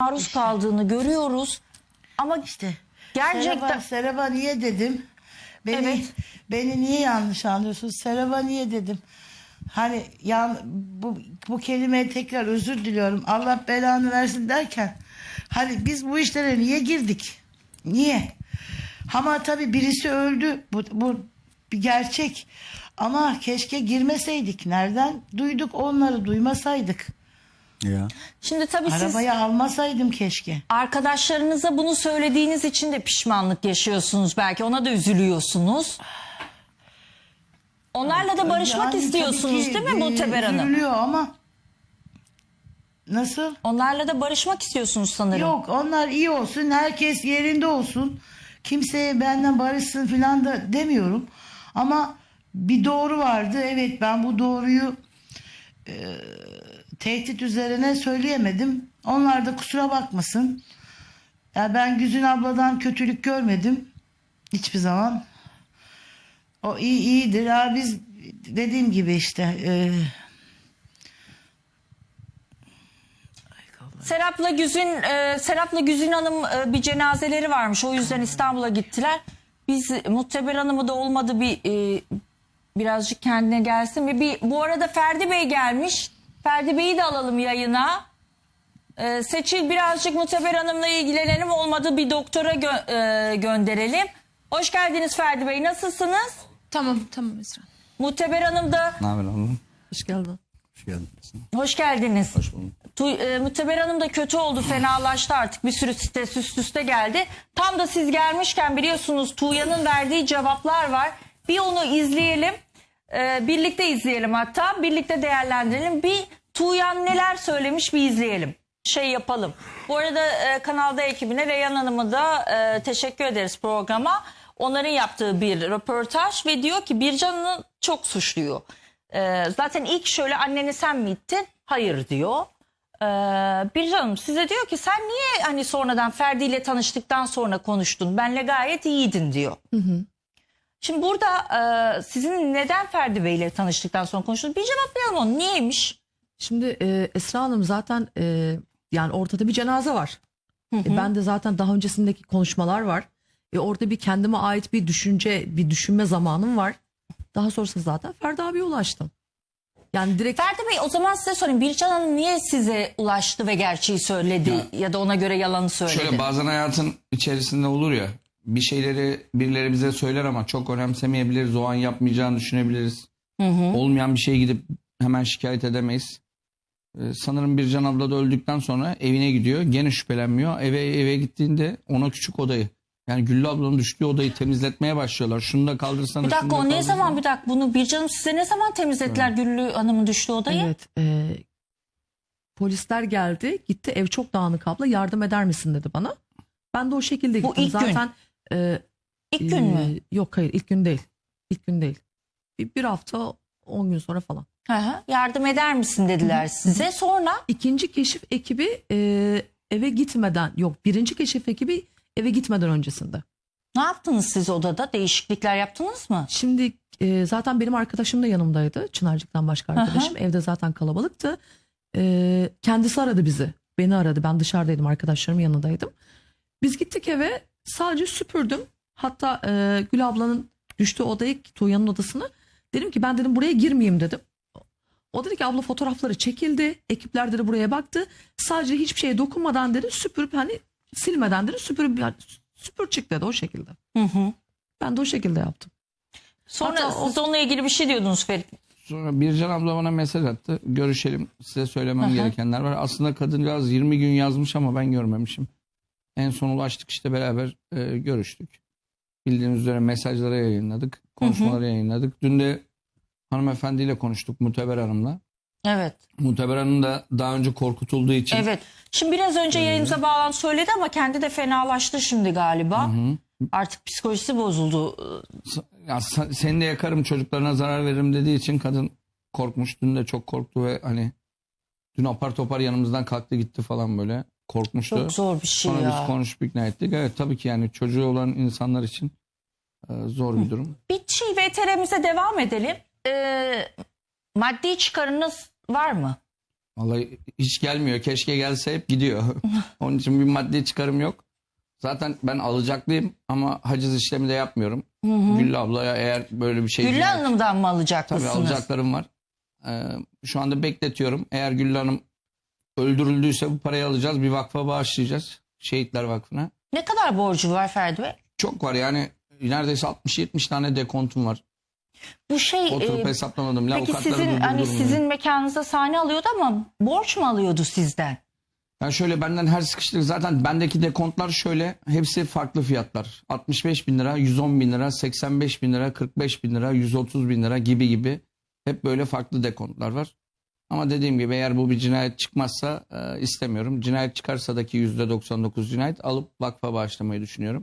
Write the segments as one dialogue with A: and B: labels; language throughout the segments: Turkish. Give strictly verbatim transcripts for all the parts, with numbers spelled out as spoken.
A: maruz
B: İşte.
A: kaldığını görüyoruz. Ama
B: İşte
A: gerçekten
B: Seraba, Seraba niye dedim? Beni,
A: Evet.
B: beni niye yanlış anlıyorsunuz? Seraba niye dedim? Hani yan, bu, bu kelimeye tekrar özür diliyorum. Allah belanı versin derken hani biz bu işlere niye girdik? Niye? Ama tabii birisi öldü. Bu, bu bir gerçek. Ama keşke girmeseydik. Nereden duyduk onları, duymasaydık.
C: Ya.
A: şimdi tabii siz
B: Arabayı almasaydım keşke.
A: arkadaşlarınıza bunu söylediğiniz için de pişmanlık yaşıyorsunuz belki. Ona da üzülüyorsunuz. Onlarla da barışmak
B: Yani tabii
A: istiyorsunuz
B: ki,
A: değil mi
B: e,
A: Muhteber Hanım?
B: üzülüyor ama nasıl?
A: Onlarla da barışmak istiyorsunuz sanırım.
B: Yok, onlar iyi olsun, herkes yerinde olsun. Kimseye benden barışsın falan da demiyorum. Ama bir doğru vardı. Evet, ben bu doğruyu e, tehdit üzerine söyleyemedim. Onlar da kusura bakmasın. Ya ben Güzin abladan kötülük görmedim hiçbir zaman. O iyi iyidir. Ha, biz dediğim gibi işte e,
A: Serap'la Güzin, e, Serap'la Güzin Hanım e, bir cenazeleri varmış. O yüzden İstanbul'a gittiler. Biz Muhteber Hanım'ı da olmadı bir e, birazcık kendine gelsin. Bir, bir bu arada Ferdi Bey gelmiş. Ferdi Bey'i de alalım yayına. E, Seçil birazcık Muhteber Hanım'la ilgilenelim. Olmadı bir doktora gö- e, gönderelim. Hoş geldiniz Ferdi Bey. Nasılsınız?
D: Tamam tamam Esra.
A: Muhteber Hanım da
C: Ne haber oğlum?
D: Hoş geldin.
C: Hoş geldin.
A: hoş geldiniz.
C: Hoş bulduk.
A: Tu, e, Muhteber Hanım da kötü oldu, fenalaştı artık. Bir sürü stres üst üste geldi. Tam da siz gelmişken biliyorsunuz Tuğya'nın verdiği cevaplar var. Bir onu izleyelim. E, birlikte izleyelim hatta. Birlikte değerlendirelim. Bir Tuğyan neler söylemiş bir izleyelim. Şey yapalım. Bu arada e, kanalda ekibine Reyhan Hanım'a da e, teşekkür ederiz programa. Onların yaptığı bir röportaj ve diyor ki Bircan'ı çok suçluyor. Ee, zaten ilk şöyle anneni sen mi ittin? Hayır diyor. Ee, Bircan Hanım size diyor ki sen niye hani sonradan Ferdi ile tanıştıktan sonra konuştun? Benle gayet iyiydin diyor.
D: Hı hı.
A: Şimdi burada e, sizin neden Ferdi Bey ile tanıştıktan sonra konuştunuz? Bir cevaplayalım onu. Niyeymiş?
D: Şimdi e, Esra Hanım zaten e, yani ortada bir cenaze var. E, ben de zaten daha öncesindeki konuşmalar var. E, orada bir kendime ait bir düşünce, bir düşünme zamanım var. Daha sonrasında zaten Ferdi abiye ulaştım. Yani direkt
A: Ferdi Bey o zaman size sorayım. Bircan Hanım niye size ulaştı ve gerçeği söyledi ya, ya da ona göre yalanı söyledi?
C: Şöyle bazen hayatın içerisinde olur ya, bir şeyleri birileri bize söyler ama çok önemsemeyebiliriz. O an yapmayacağını düşünebiliriz.
A: Hı hı.
C: Olmayan bir şeye gidip hemen şikayet edemeyiz. Ee, sanırım Bircan abla da öldükten sonra evine gidiyor. Gene şüphelenmiyor. Eve eve gittiğinde ona küçük odayı, yani Güllü ablanın düştüğü odayı temizletmeye başlıyorlar. Şunu da kaldırsana.
A: Bir dakika
C: şunu da
A: o ne
C: kaldırsana.
A: zaman bir dakika bunu Bircan Hanım size ne zaman temizlettiler Güllü Hanım'ın düştüğü odayı?
D: evet e, polisler geldi gitti ev çok dağınık abla yardım eder misin dedi bana. Ben de o şekilde
A: Bu
D: gittim.
A: ilk gün.
D: zaten e,
A: İlk gün mü?
D: e, Yok hayır ilk gün değil. İlk gün değil. Bir, bir hafta on gün sonra falan.
A: Hı hı. Yardım eder misin dediler size. Sonra
D: İkinci keşif ekibi e, eve gitmeden yok birinci keşif ekibi eve gitmeden öncesinde.
A: ne yaptınız siz odada? Değişiklikler yaptınız mı?
D: Şimdi e, zaten benim arkadaşım da yanımdaydı. Çınarcık'tan başka arkadaşım. Evde zaten kalabalıktı. E, kendisi aradı bizi. Beni aradı. Ben dışarıdaydım. Arkadaşlarımın yanındaydım. Biz gittik eve. Sadece süpürdüm. Hatta e, Gül ablanın düştüğü odayı, Tuğya'nın odasını. Dedim ki ben dedim buraya girmeyeyim dedim. O dedi ki abla fotoğrafları çekildi. Ekipler dedi buraya baktı. Sadece hiçbir şeye dokunmadan dedi süpürüp hani silmeden dedi süpürüp yani, süpür çık dedi o şekilde.
A: Hı hı.
D: Ben de o şekilde yaptım.
A: Sonra
D: Hatta o-
A: siz onunla ilgili bir şey diyordunuz Ferit.
C: Sonra Bircan abla bana mesaj attı. Görüşelim, size söylemem
A: Hı hı.
C: gerekenler var. Aslında kadıncağız yirmi gün yazmış ama ben görmemişim. En son ulaştık işte, beraber e, görüştük. Bildiğiniz üzere mesajları yayınladık. Konuşmaları yayınladık. Dün de hanımefendiyle konuştuk, Muhteber Hanım'la.
A: Evet.
C: Muhteber Hanım da daha önce korkutulduğu için.
A: Evet. Şimdi biraz önce yayınıza bağlantı söyledi ama kendi de fenalaştı şimdi galiba. Artık psikolojisi bozuldu.
C: Ya, sa- seni de yakarım, çocuklarına zarar veririm dediği için kadın korkmuş. Dün de çok korktu ve hani dün apar topar yanımızdan kalktı gitti falan, böyle korkmuştu.
A: Çok zor bir şey
C: Sonra
A: ya.
C: biz konuşup ikna ettik. Evet, tabii ki yani çocuğu olan insanlar için e, zor bir durum.
A: Bir şey V T R'mize devam edelim. Ee, maddi çıkarınız var mı?
C: Vallahi hiç gelmiyor. Keşke gelse, hep gidiyor. Onun için bir maddi çıkarım yok. Zaten ben alacaklıyım ama haciz işlemi de yapmıyorum. Güllü ablaya eğer böyle bir şey...
A: Güllü Hanım'dan mı alacak
C: Tabii
A: mısınız?
C: alacaklarım var. Ee, şu anda bekletiyorum. Eğer Güllü Hanım öldürüldüyse bu parayı alacağız. Bir vakfa bağışlayacağız. Şehitler Vakfı'na.
A: Ne kadar borcu var Ferdi Bey?
C: Çok var yani, neredeyse altmış yetmiş tane dekontum var.
A: Bu şey
C: Oturup
A: e,
C: hesaplamadım.
A: peki
C: Avukatları
A: sizin hani
C: durdurdum
A: sizin
C: yani.
A: mekanınızda sahne alıyordu ama borç mu alıyordu sizden?
C: Yani şöyle, benden her sıkıştık. Zaten bendeki dekontlar şöyle. Hepsi farklı fiyatlar. altmış beş bin lira, yüz on bin lira, seksen beş bin lira, kırk beş bin lira, yüz otuz bin lira gibi gibi. Hep böyle farklı dekontlar var. Ama dediğim gibi eğer bu bir cinayet çıkmazsa e, istemiyorum. Cinayet çıkarsa da ki yüzde doksan dokuz cinayet, alıp vakfa bağışlamayı düşünüyorum.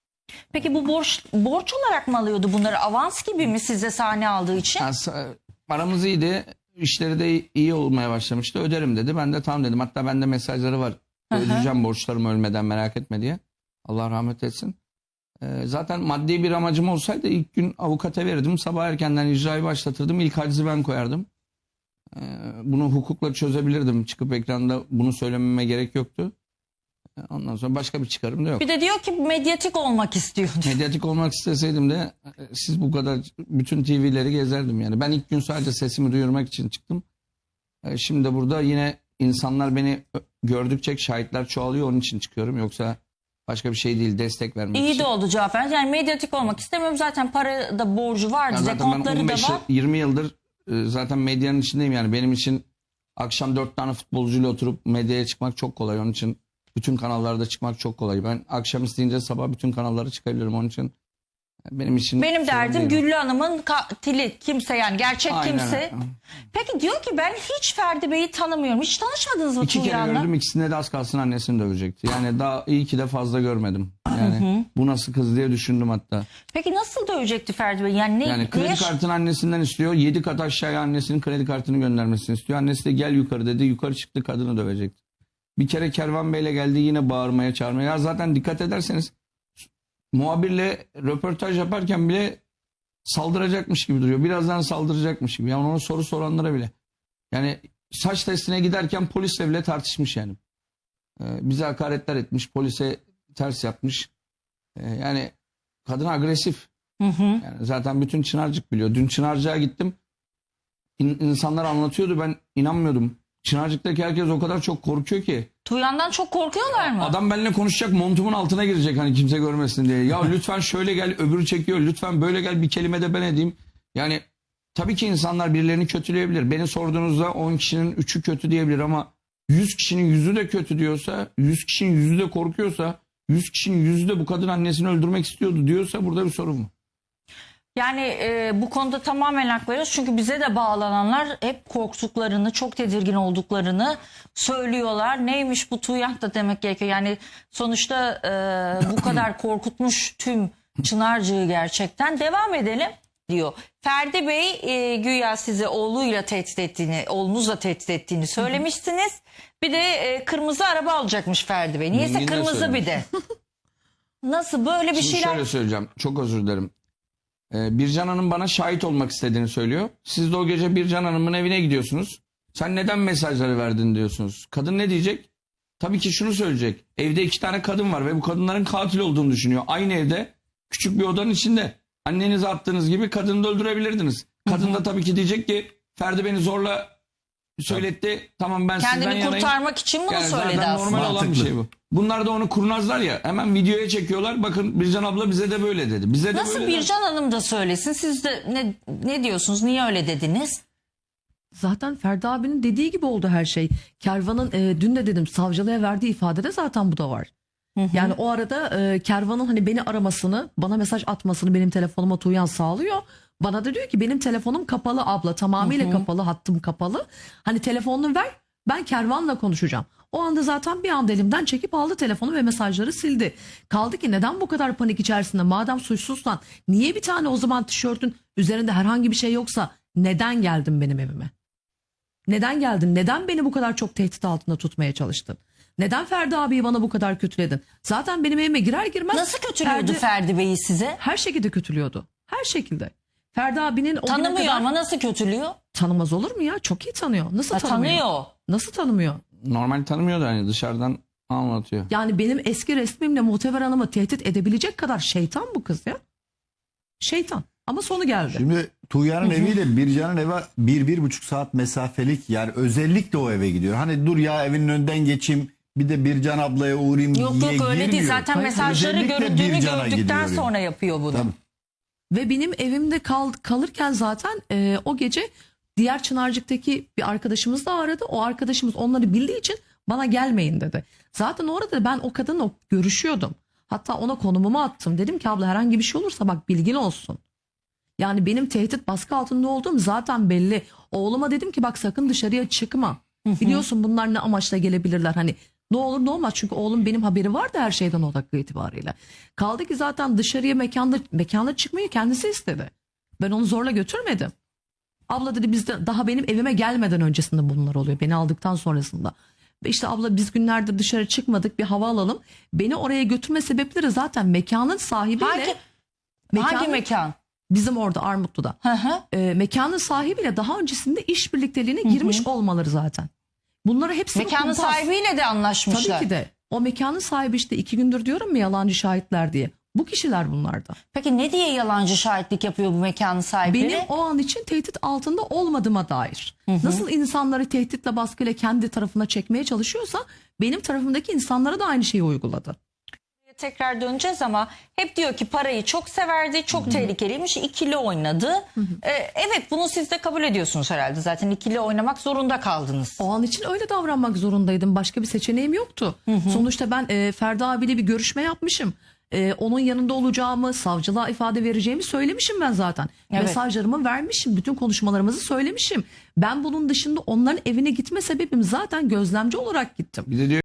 A: Peki bu borç borç olarak mı alıyordu bunları? Avans gibi mi size sahne aldığı için?
C: Yani, sa- aramız iyiydi. İşleri de iyi olmaya başlamıştı. Öderim dedi. Ben de tamam dedim. Hatta bende mesajları var.
A: Hı hı.
C: Ödeyeceğim borçlarımı ölmeden, merak etme diye. Allah rahmet etsin. Ee, zaten maddi bir amacım olsaydı ilk gün avukata verirdim. Sabah erkenden icrayı başlatırdım. İlk hacizi ben koyardım. Ee, bunu hukukla çözebilirdim. Çıkıp ekranda bunu söylememe gerek yoktu. Ee, Ondan sonra başka bir çıkarım da yok.
A: Bir de diyor ki medyatik olmak istiyordu.
C: Medyatik olmak isteseydim de e, siz bu kadar bütün T V'leri gezerdim yani. Ben ilk gün sadece sesimi duyurmak için çıktım. E, Şimdi de burada yine insanlar beni ö- gördükçe şahitler çoğalıyor, onun için çıkıyorum. Yoksa başka bir şey değil, destek vermek
A: İyi
C: için.
A: de oldu cevap verdiniz. Yani medyatik olmak istemiyorum. Zaten para da borcu vardı.
C: Ya zaten ben
A: Dekontları da
C: on beş
A: var.
C: yirmi yıldır e, zaten medyanın içindeyim yani. Benim için akşam dört tane futbolcuyla oturup medyaya çıkmak çok kolay. Onun için bütün kanallarda çıkmak çok kolay. Ben akşam isteyince sabah bütün kanallara çıkabilirim. Onun için benim için
A: Benim
C: sorun
A: derdim
C: değil o.
A: Güllü Hanım'ın katili kimse, yani gerçek
C: Aynen
A: kimse.
C: öyle.
A: Peki diyor ki ben hiç Ferdi Bey'i tanımıyorum. Hiç tanışmadınız mı
C: İki kere
A: Tuğyan'la?
C: gördüm, ikisinde de az kalsın annesini dövecekti. Yani daha iyi ki de fazla görmedim. Yani bu nasıl kız diye düşündüm hatta.
A: Peki nasıl dövecekti Ferdi Bey? Yani ne,
C: Yani kredi
A: neye-
C: kartını annesinden istiyor. Yedi kat aşağıya annesinin kredi kartını göndermesini istiyor. Annesi de gel yukarı dedi. Yukarı çıktı, kadını dövecekti. Bir kere Kervan Bey'le geldi, yine bağırmaya çağırmaya. Ya zaten dikkat ederseniz muhabirle röportaj yaparken bile saldıracakmış gibi duruyor. Birazdan saldıracakmış gibi. Yani ona soru soranlara bile. Yani saç testine giderken polisle bile tartışmış yani. Ee, bize hakaretler etmiş. Polise ters yapmış. Ee, yani kadın agresif.
A: Hı hı.
C: Yani zaten bütün Çınarcık biliyor. Dün Çınarcık'a gittim. İn- insanlar anlatıyordu, ben inanmıyordum. Çınarcık'taki herkes o kadar çok korkuyor ki.
A: Tuğyan'dan çok korkuyorlar mı?
C: Adam benimle konuşacak, montumun altına girecek hani kimse görmesin diye. Ya lütfen şöyle gel, öbürü çekiyor. Lütfen böyle gel, bir kelime de ben edeyim. Yani tabii ki insanlar birilerini kötüleyebilir. Beni sorduğunuzda on kişinin üçü kötü diyebilir ama yüz kişinin yüzü de kötü diyorsa, yüz kişinin yüzü de korkuyorsa, yüz kişinin yüzü de bu kadın annesini öldürmek istiyordu diyorsa burada bir sorun var.
A: Yani e, bu konuda tamamen hak veriyoruz. Çünkü bize de bağlananlar hep korktuklarını, çok tedirgin olduklarını söylüyorlar. Neymiş bu Tuğyan da demek gerekiyor. Yani sonuçta e, bu kadar korkutmuş tüm Çınarcık'ı gerçekten. Devam edelim diyor. Ferdi Bey e, güya sizi oğluyla tehdit ettiğini, oğlunuzla tehdit ettiğini söylemiştiniz. Bir de e, kırmızı araba alacakmış Ferdi Bey. Niyeyse
C: Yine
A: kırmızı
C: söylemiş.
A: bir de. Nasıl böyle bir
C: Şimdi
A: şeyler?
C: şöyle söyleyeceğim. Çok özür dilerim. Ee, Bircan Hanım bana şahit olmak istediğini söylüyor. Siz de o gece Bircan Hanım'ın evine gidiyorsunuz. Sen neden mesajları verdin diyorsunuz. Kadın ne diyecek? Tabii ki şunu söyleyecek. Evde iki tane kadın var ve bu kadınların katil olduğunu düşünüyor. Aynı evde, küçük bir odanın içinde. Annenize attığınız gibi kadını da öldürebilirdiniz. Kadın da tabii ki diyecek ki Ferdi beni zorla söyletti. Tamam, ben sizden
A: Kendini
C: yanayım.
A: kurtarmak için bunu
C: Yani
A: söyledi
C: zaten
A: aslında.
C: normal olan bir şey bu. Bunlar da onu kurnazlar ya. Hemen videoya çekiyorlar. Bakın Bircan abla bize de böyle dedi. Bize de
A: Nasıl
C: böyle dedi.
A: Bircan Hanım da söylesin? Siz de ne, ne diyorsunuz? Niye öyle dediniz?
D: Zaten Ferdi abinin dediği gibi oldu her şey. Kervan'ın e, dün de dedim savcılığa verdiği ifadede zaten bu da var. Yani o arada e, Kervan'ın hani beni aramasını, bana mesaj atmasını benim telefonuma Tuğyan sağlıyor. Bana da diyor ki benim telefonum kapalı abla, tamamıyla kapalı, hattım kapalı. Hani telefonunu ver, ben Kervan'la konuşacağım. O anda zaten bir anda elimden çekip aldı telefonu ve mesajları sildi. Kaldı ki neden bu kadar panik içerisinde, madem suçsuzsan niye bir tane o zaman tişörtün üzerinde herhangi bir şey yoksa neden geldin benim evime? Neden geldin? Neden beni bu kadar çok tehdit altında tutmaya çalıştın? Neden Ferdi abiyi bana bu kadar kötüledin? Zaten benim evime girer girmez...
A: Nasıl kötülüyordu
D: Ferdi
A: Ferdi Bey'i size?
D: her şekilde kötülüyordu. Her şekilde. Ferdi abinin o güne
A: Tanımıyor
D: kadar
A: ama nasıl kötülüyor?
D: Tanımaz olur mu ya? Çok iyi tanıyor. Nasıl
A: Ha,
D: tanımıyor?
A: tanıyor.
D: Nasıl tanımıyor?
C: Normal tanımıyor da hani dışarıdan anlatıyor.
D: Yani benim eski resmimle Muhteber Hanım'ı tehdit edebilecek kadar şeytan bu kız ya. Şeytan. Ama sonu geldi.
E: Şimdi Tuğya'nın eviyle Bircan'ın evi bir, bir buçuk saat mesafelik, yani özellikle o eve gidiyor. Hani dur ya evinin önünden geçeyim, bir de Bircan ablaya uğrayayım
A: Yok
E: diye
A: yok öyle değil.
E: girmiyor.
A: Zaten
E: Hayır,
A: mesajları
E: özellikle
A: görüldüğünü
E: Bircan'a
A: gördükten
E: gidiyor yani.
A: sonra yapıyor bunu.
E: Tabii.
D: Ve benim evimde kal, kalırken zaten e, o gece diğer Çınarcık'taki bir arkadaşımız da aradı. O arkadaşımız onları bildiği için bana gelmeyin dedi. Zaten orada ben o kadınla görüşüyordum. Hatta ona konumumu attım. Dedim ki abla herhangi bir şey olursa bak bilgin olsun. Yani benim tehdit baskı altında olduğum zaten belli. Oğluma dedim ki bak sakın dışarıya çıkma. Biliyorsun bunlar ne amaçla gelebilirler. Hani ne olur ne olmaz. Çünkü oğlum benim haberi vardı her şeyden o dakika itibariyle. Kaldı ki zaten dışarıya mekanda, mekanda çıkmayı kendisi istedi. Ben onu zorla götürmedim. Abla dedi bizde daha benim evime gelmeden öncesinde bunlar oluyor. Beni aldıktan sonrasında. Ve işte abla biz günlerdir dışarı çıkmadık, bir hava alalım. Beni oraya götürme sebepleri zaten mekanın sahibiyle.
A: Hangi,
D: mekanın-
A: hangi mekan?
D: Bizim orada Armutlu'da.
A: Hı hı.
D: E, mekanın sahibiyle daha öncesinde iş birlikteliğine girmiş olmaları zaten. Bunları hepsini
A: Mekanın
D: kumpas.
A: sahibiyle de anlaşmışlar.
D: Tabii ki de. O mekanın sahibi işte iki gündür diyorum mu yalancı şahitler diye. Bu kişiler bunlardan.
A: Peki ne diye yalancı şahitlik yapıyor bu mekanın sahipleri?
D: Benim o an için tehdit altında olmadığıma dair. Nasıl insanları tehditle baskıyla kendi tarafına çekmeye çalışıyorsa benim tarafımdaki insanlara da aynı şeyi uyguladı.
A: Tekrar döneceğiz ama hep diyor ki parayı çok severdi, çok tehlikeliymiş, ikili oynadı. Ee, evet bunu siz de kabul ediyorsunuz herhalde. Zaten ikili oynamak zorunda kaldınız.
D: O an için öyle davranmak zorundaydım. Başka bir seçeneğim yoktu. Sonuçta ben e, Ferdi abiyle bir görüşme yapmışım. E, onun yanında olacağımı, savcılığa ifade vereceğimi söylemişim ben zaten.
A: Evet.
D: Mesajlarımı vermişim, bütün konuşmalarımızı söylemişim. Ben bunun dışında onların evine gitme sebebim zaten gözlemci olarak gittim.
C: Bir de diyor